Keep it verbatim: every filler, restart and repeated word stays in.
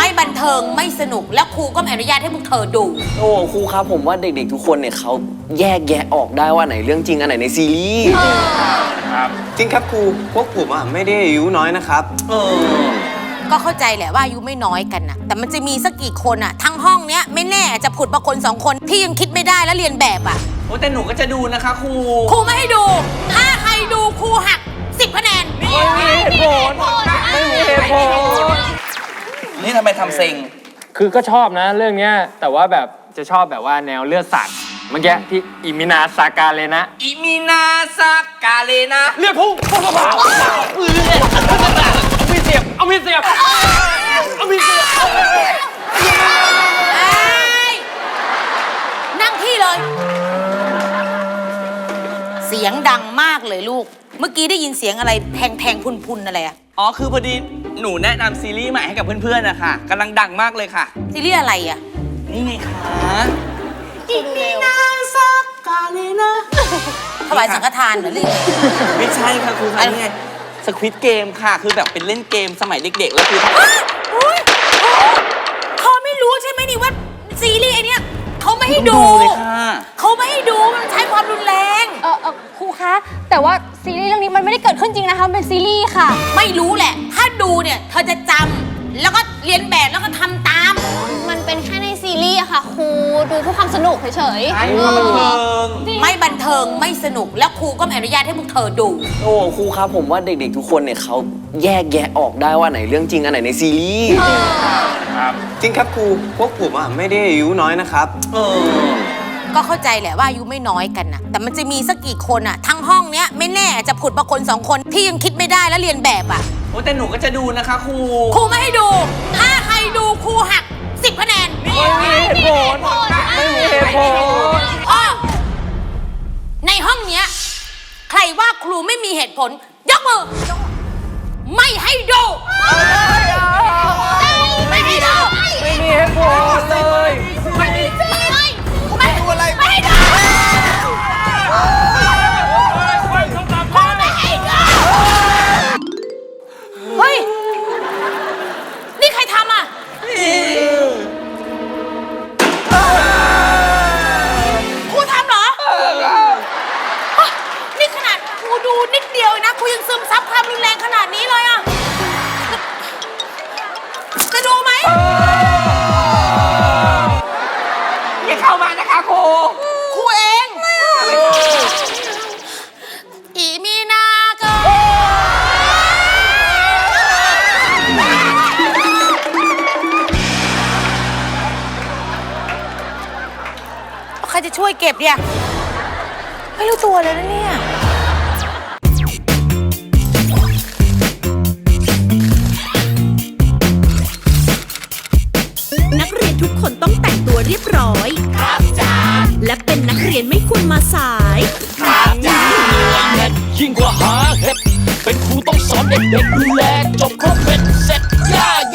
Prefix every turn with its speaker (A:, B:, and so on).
A: ไม่บันเทิงไม่สนุกแล้วครูก็ไม่อนุญาตให้พวกเธอดู
B: โอ้ครูครับผมว่าเด็กๆทุกคนเนี่ยเขาแยกแยะออกได้ว่าไหนเรื่องจริงอันไหนในซีรีส์
C: ครับจริงครับครูพวกผมอ่ะไม่ได้อายุน้อยนะครับเออ
A: ก็เข้าใจแหละว่าอายุไม่น้อยกันนะแต่มันจะมีสักกี่คนอะทั้งห้องเนี้ยไม่แน่จะผุดมาคนสองคนที่ยังคิดไม่ได้และเรียนแบบอะ
D: โอ้แต่หนูก็จะดูนะคะครู
A: ครูไม่ให้ดูถ้าใครดูครูหักสิบคะแนน
B: ไม่มีเหตุผลไม่มีเหตุผล
D: นี่ทำไมทำเซ็ง
E: คือก็ชอบนะเรื่องเนี้ยแต่ว่าแบบจะชอบแบบว่าแนวเลือดสัตว์เมื่อกี้ที่อิมินาซากาเลนะ
D: อิมินาซากาเลนะ
E: เลือดพุ่งพุ่งเข้ามามีเสียบเอามีเสียบเอามีเสียบ
A: นั่งที่เลยเสียงดังมากเลยลูกเมื่อกี้ได้ยินเสียงอะไรแทงๆพุนๆอะไรอะ
D: อ๋อคือพอดีหนูแนะนำซีรีส์ใหม่ให้กับเพื่อนๆนะคะกำลังดังมากเลยค่ะ
A: ซีรีส์อะไรอะ
D: นี่ไงคะอิมินาซากาเลนะ
A: ถวายสังฆทานเหรอลิง
D: ไม่ใช่ค่ะครูคะนี่ไงสควิดเกมค่ะคือแบบเป็นเล่นเกมสมัยเด็กๆแล้วคือ
A: เขาไม่รู้ใช่ไหมนี่ว่าซีรีส์ไอเนี้ยเขาไม่ให้ดูเขาไม่ให้ดูมันใช้ความรุนแรง
F: เออเออครูคะแต่ว่าซีรีส์เรื่องนี้มันไม่ได้เกิดขึ้นจริงนะคะเป็นซีรีส์ค่ะ
A: ไม่รู้แหละถ้าดูเนี่ยเธอจะจำแล้วก็เรียนแบบแล้วก็ทำตาม
F: มันเป็นแค่ในซีรีส์อะค่ะครูดูเพื่อความสนุกเฉย
D: ๆไม่บันเทิง
A: ไม่บันเทิงไม่สนุกแล้วครูก็ไม่อนุญาตให้พวกเธอดู
B: โอ้ครูครับผมว่าเด็กๆทุกคนเนี่ยเขาแยกแยะออกได้ว่าไหนเรื่องจริงอันไหนในซีรีส์
C: ครับจริงครับครูพวกผมอ่ะไม่ได้อายุน้อยนะครับเออ
A: ก็เข้าใจแหละว่าอายุไม่น้อยกันนะแต่มันจะมีสักกี่คนอะทั้งห้องเนี้ยไม่แน่จะผุดมาคนสองคนที่ยังคิดไม่ได้และเรียนแบบอะ
D: โอ้แต่หนูก็จะดูนะคะครู
A: ครูไม่ให้ดูถ้าใครดูครูหักสิบคะแนน
B: ไม่มีเหตุผลไม่มีเหตุผล
A: อ๋อในห้องเนี้ยใครว่าครูไม่มีเหตุผลยกมือไม่ให้ดูไม่ให้ดู
B: ไม่มีเหตุผลเลย
A: ไม่มีสิไม่ดูอะไรไม่ให้ดูเฮ้ยนี่ใครทำอ่ะครูทำเหรอนี่ขนาดครูดูนิดเดียวนะครูยังซึมซับความรุนแรงขนาดนี้เลยอ่ะจะดูไหม
D: อย่าเข้ามานะคะครู
A: ครูเองอีมีนาเกิใครจะช่วยเก็บเนี่ยไม่รู้ตัวเลยนะเนี่ย
G: นักเรียนทุกคนต้องแต่งตัวเรียบร้อยครับจ้าและเป็นนักเรียนไม่ควรมาสาย
H: ครับจ้ายิ่งกว่าหาเห็ดเป็นครูต้องสอนเด็กๆดูแล